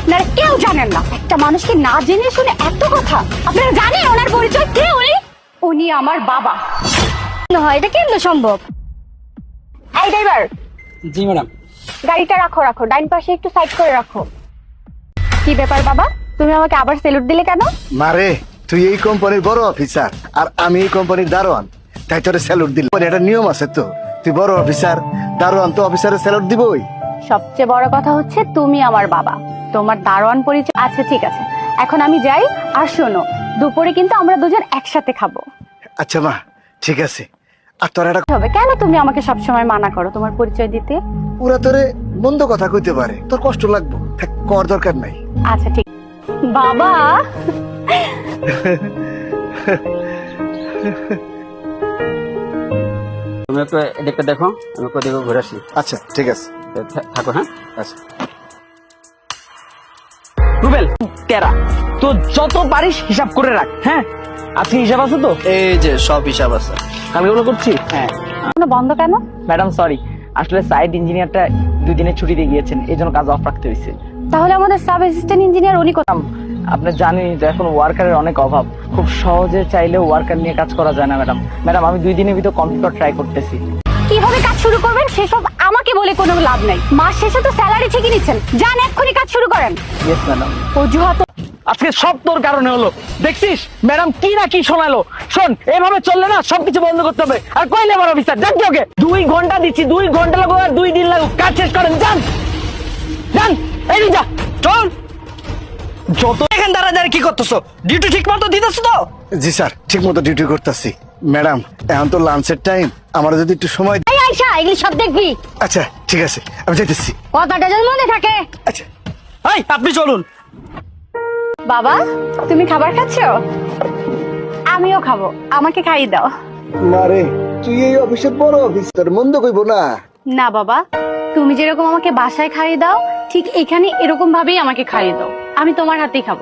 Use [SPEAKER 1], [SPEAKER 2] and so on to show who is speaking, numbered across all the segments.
[SPEAKER 1] আপনারা কেউ জানেন না, একটা মানুষকে না জেনে শুনে এত কথা। আপনারা জানেন ওনার পরিচয় কে? উনি আমার বাবা। হয় এটা কেমন সম্ভব? এই ড্রাইভার।
[SPEAKER 2] জি ম্যাডাম।
[SPEAKER 1] গাড়িটা রাখো রাখো, ডাইন পাশে একটু সাইড করে রাখো। কি ব্যাপার বাবা, তুমি আমাকে আবার স্যালুট দিলে কেন?
[SPEAKER 3] মারে, তুই এই কোম্পানির বড় অফিসার আর আমি এই কোম্পানির দারোয়ান, তাই তোরে স্যালুট দিল। এটা নিয়ম আছে তো, তুই বড় অফিসার, দারোয়ান তো অফিসারের স্যালুট দিবই।
[SPEAKER 1] সবচেয়ে বড় কথা হচ্ছে তুমি আমার বাবা, তোমার দারোয়ান পরিচয় আছে। ঠিক আছে, এখন আমি যাই। আর শোনো, দুপুরে কিন্তু আমরা দুজন একসাথে খাবো।
[SPEAKER 3] আচ্ছা মা, ঠিক আছে। আর তোর একটা
[SPEAKER 1] হবে কেন তুমি আমাকে সবসময় মানা করো তোমার পরিচয় দিতে?
[SPEAKER 3] পুরা তোরে মন্দ কথা কইতে পারে, তোর কষ্ট লাগবো, কর দরকার নাই।
[SPEAKER 1] আচ্ছা ঠিক। বাবা
[SPEAKER 2] তুমি একটু এদিকটা দেখো, আমি ওদিকে ঘুরে আসি।
[SPEAKER 3] আচ্ছা ঠিক আছে,
[SPEAKER 2] থাকো। হ্যাঁ
[SPEAKER 3] আচ্ছা।
[SPEAKER 4] রুবেল তেরা তো যত পারিস হিসাব করে রাখ। হ্যাঁ, আজকে হিসাব আছে তো?
[SPEAKER 5] এই যে সব হিসাব আছে।
[SPEAKER 4] কালকে ওগুলো করছি। হ্যাঁ
[SPEAKER 1] বন্ধ কেন?
[SPEAKER 4] ম্যাডাম সরি, আসলে সাইট ইঞ্জিনিয়ারটা 2 দিনের ছুটিতে গিয়েছেন, এই জন্য কাজ অফ রাখতে হয়েছে।
[SPEAKER 1] তাহলে আমাদের সাব অ্যাসিস্ট্যান্ট ইঞ্জিনিয়ার উনি কোথায়?
[SPEAKER 4] আপনি জানেন তো এখন ওয়ার্কারের অনেক অভাব, খুব সহজে চাইলেও ওয়ার্কার নিয়ে কাজ করা যায় না ম্যাডাম। ম্যাডাম আমি 2 দিনের ভিতর কম্পিউটার ট্রাই করতেছি।
[SPEAKER 1] কিভাবে কাজ শুরু করবেন সেসব আমাকে বলে কোনো লাভ নাই। মাস শেষে তো স্যালারি ঠিকই নিচ্ছেন, যান এক্ষুনি কাজ শুরু করেন।
[SPEAKER 4] Yes madam.
[SPEAKER 1] অজুহাত
[SPEAKER 4] আজকে সব তোর কারণে হলো, দেখছিস ম্যাডাম কি না কি শোনালো। শোন, এভাবে চললে না সবকিছু বন্ধ করতে হবে। আর কই লেবার অফিসার জানছি ওকে 2 ঘন্টা দিচ্ছি, 2 ঘন্টা লাগুক আর 2 দিন লাগুক, কাজ শেষ করেন। যান যান, এই যা চল। যত এখান দাঁড়া কি করতেছো? ডিউটি ঠিক মতো দিতেছো তো?
[SPEAKER 3] জি স্যার, ঠিক মতো ডিউটি করতেছি। ম্যাডাম এখন তো লাঞ্চের টাইম, আমার যদি একটু সময়।
[SPEAKER 1] এই আয়শা, এগুলি সব দেখবি।
[SPEAKER 3] আচ্ছা ঠিক আছে, আমি যাইতেছি।
[SPEAKER 1] কথাটা যেন মনে থাকে।
[SPEAKER 3] আচ্ছা।
[SPEAKER 4] এই আপনি চলুন।
[SPEAKER 1] বাবা তুমি খাবার খাচ্ছ? আমিও খাবো, আমাকে খাইয়ে দাও।
[SPEAKER 3] মারে, তুই এই অফিসের বড় অফিসার, মন্দ কইব না।
[SPEAKER 1] না বাবা, তুমি যেরকম আমাকে বাসায় খাইয়ে দাও, ঠিক এখানে এরকম ভাবেই আমাকে খাইয়ে দাও। আমি তোমার হাতেই খাবো,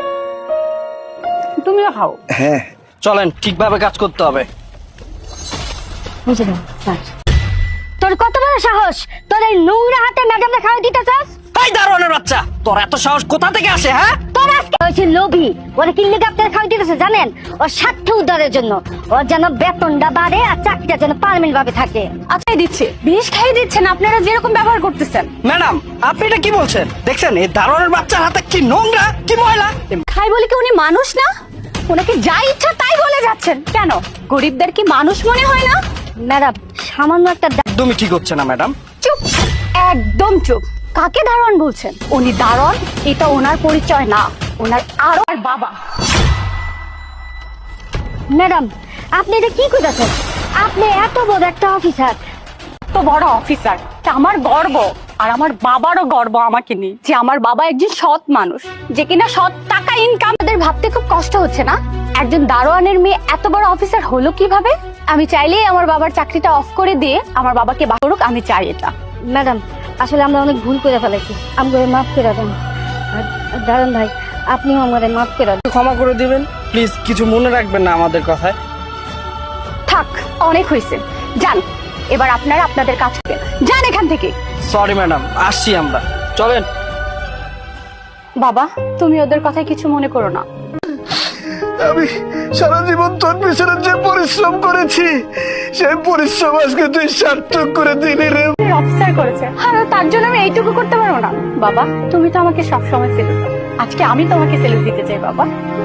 [SPEAKER 1] তুমিও খাও।
[SPEAKER 3] হ্যাঁ
[SPEAKER 4] চলেন, ঠিকভাবে কাজ করতে হবে।
[SPEAKER 1] বুঝে দাও স্যার। তোর কত বড় সাহস, তোর এই নোংরা হাতে ম্যাডামকে খাওয়া দিতে চাস?
[SPEAKER 4] এই দারোয়ানের বাচ্চা, তোর এত সাহস কোথা থেকে আসে? হ্যাঁ,
[SPEAKER 1] তোর আজকে হয়েছে লোভী। ওরা কি লেগে আপনার খাওয়া দিতেছে জানেন? ওর স্বার্থ উদ্ধারের জন্য। ওর যেন বেতনটা বাড়ে আর চাকরিটা যেন পার্মানেন্ট ভাবে থাকে। আচ্ছা দিচ্ছে, বিষ খাইয়ে দিচ্ছেন আপনারা যেরকম ব্যবহার করতেছেন।
[SPEAKER 4] ম্যাডাম আপনি এটা কি বলছেন? দেখছেন এই দারোয়ানের বাচ্চার হাতে কি নোংরা, কি ময়লা।
[SPEAKER 1] খাই বলে কি উনি মানুষ না? ওনাকে যা ইচ্ছা তাই বলে যাচ্ছেন কেন? গরিবদের কি মানুষ মনে হয় না? ম্যাডাম সামান্য একটা
[SPEAKER 4] একদমই ঠিক হচ্ছে না ম্যাডাম।
[SPEAKER 1] চুপ, একদম চুপ। কাকে দারোয়ান বলছেন? উনি দারোয়ান, এটা ওনার পরিচয় না, ওনার আরো আর বাবা। ম্যাডাম আপনি এটা কি করতেছেন? আপনি এত বড় একটা অফিসার, তো বড় অফিসার, তা আমার গর্ব। আর আমার বাবারও গর্ব আমাকে নিয়ে, যে আমার বাবা একজন সৎ মানুষ, যে কিনা সৎ টাকা ইনকাম। এদের ভাবতে খুব কষ্ট হচ্ছে না একজন দারোয়ানের মেয়ে এত বড় অফিসার হলো কিভাবে? আমি চাইলেই আমার বাবার চাকরিটা অফ করে দিয়ে আমার বাবাকে বার করুক, আমি চাই এটা। ম্যাডাম আসলে আমরা অনেক ভুল করে ফেলেছি, আমাকে মাফ করে দেন। দারোয়ান ভাই আপনিও আমাদের মাফ করে দেন।
[SPEAKER 4] ক্ষমা করে দিবেন প্লিজ, কিছু মনে রাখবেন না আমাদের কথায়।
[SPEAKER 1] থাক, অনেক হয়েছে, যান এবার আপনারা আপনাদের কাজ করেন, যান এখান থেকে।
[SPEAKER 4] সরি ম্যাডাম, আসছি আমরা, চলেন।
[SPEAKER 1] বাবা তুমি ওদের কথায় কিছু মনে করো না।
[SPEAKER 3] আমি সারা জীবন তোর পিছনে যে পরিশ্রম করেছি, সেই পরিশ্রম আজকে তুই সার্থক করে দিলি রে।
[SPEAKER 1] অফিসার করেছে আর তার জন্য আমি এইটুকু করতে পারবো না? বাবা তুমি তো আমাকে সবসময় সেলুট দাও, আজকে আমি তোমাকে সেলুট দিতে চাই বাবা।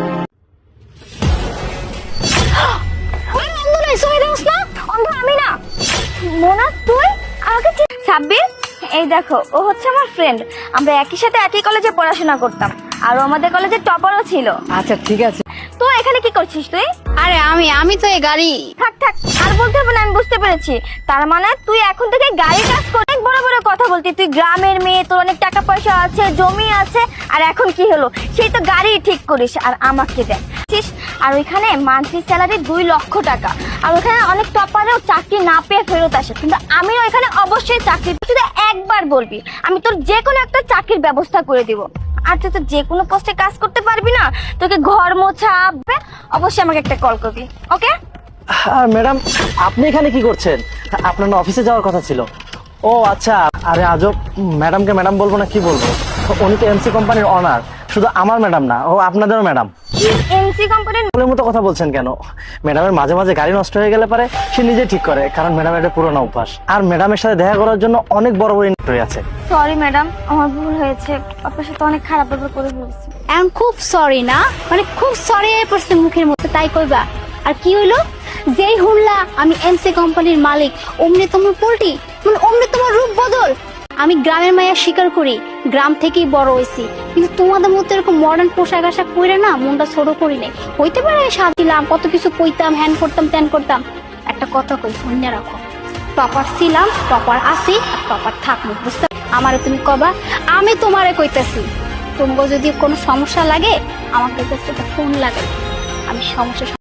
[SPEAKER 1] আমি না মোনা, তুই আমাকে
[SPEAKER 6] সাব্বির, এই দেখো ও হচ্ছে আমার ফ্রেন্ড। আমরা একই সাথে একই কলেজে পড়াশোনা করতাম, আর ও আমাদের কলেজে টপারও ছিল।
[SPEAKER 4] আচ্ছা ঠিক আছে।
[SPEAKER 6] তো এখানে কি করছিস তুই?
[SPEAKER 1] আরে আমি তো এই গাড়ি।
[SPEAKER 6] থাক থাক, আর বলতে হবে না, আমি বুঝতে পেরেছি। তার মানে তুই এখন থেকে গাড়ি কাজ করে অনেক বড় বড় কথা বলতি। তুই গ্রামের মেয়ে, তোর অনেক টাকা পয়সা আছে, জমি আছে, আর এখন কি হলো? সেই তো গাড়ি ঠিক করিস আর আমাকে দেখছিস। আর ওইখানে মান্থলি স্যালারি 2 লক্ষ টাকা। আর ওখানে অনেক টপারেও চাকরি না পেয়ে ফেরত আসে, কিন্তু আমিও এখানে অবশ্যই চাকরি, শুধু একবার বলবি, আমি তোর যে কোনো একটা চাকরির ব্যবস্থা করে দিব। আর তুই তো যে কোনো পোস্টে কাজ করতে পারবি না, তোকে ঘর মোছা, অবশ্যই আমাকে একটা কল করবি, ওকে?
[SPEAKER 4] ম্যাডাম আপনি এখানে কি করছেন? আপনার না অফিসে যাওয়ার কথা ছিল। ও আচ্ছা, আরে আজব, ম্যাডামকে ম্যাডাম বলবো না কি বলবো? উনি তো এমসি কোম্পানির অনার, শুধু আমার ম্যাডাম না, ও আপনাদেরও ম্যাডাম।
[SPEAKER 6] এমসি কোম্পানির
[SPEAKER 4] বলের মতো কথা বলছেন কেন? ম্যাডামের মাঝে মাঝে গাড়ি নষ্ট হয়ে গেলে পারে সে নিজে ঠিক করে, কারণ ম্যাডামের এটা পুরোনো অভ্যাস। আর ম্যাডামের সাথে দেখা করার জন্য অনেক বড় বড় ইন্টারভিউ আছে।
[SPEAKER 6] সরি ম্যাডাম, আমার ভুল হয়েছে, আপনার সাথে অনেক খারাপ ব্যবহার করে ফেলেছি।
[SPEAKER 1] এখন খুব সরি না, মানে খুব সরি হয়ে পড়ছে মুখের মধ্যে, তাই কইবা? আর কি হইলো? যেই শুনলা আমি এমসি কোম্পানির মালিক, অমনি তোমার পোল্টি, মানে অমনি তোমার রূপ বদল। আমি গ্রামের মায়া স্বীকার করি, গ্রাম থেকেই বড় হয়েছি, কিন্তু তোমাদের মতো এরকম মডার্ন পোশাক আশাক পরে না মনটা ছোট করি নাই। হইতে পারে সাজিলাম, কত কিছু কইতাম, হ্যান করতাম, ত্যান করতাম। একটা কথা কই, মনে রাখো, টপার ছিলাম, টপার আছি, আর টপার থাকবো, বুঝতে? আমারে তুমি কবা, আমি তোমারে কইতেছি, তোমাকে যদি কোনো সমস্যা লাগে আমাকে কাছে ফোন লাগাই, আমি সমস্যা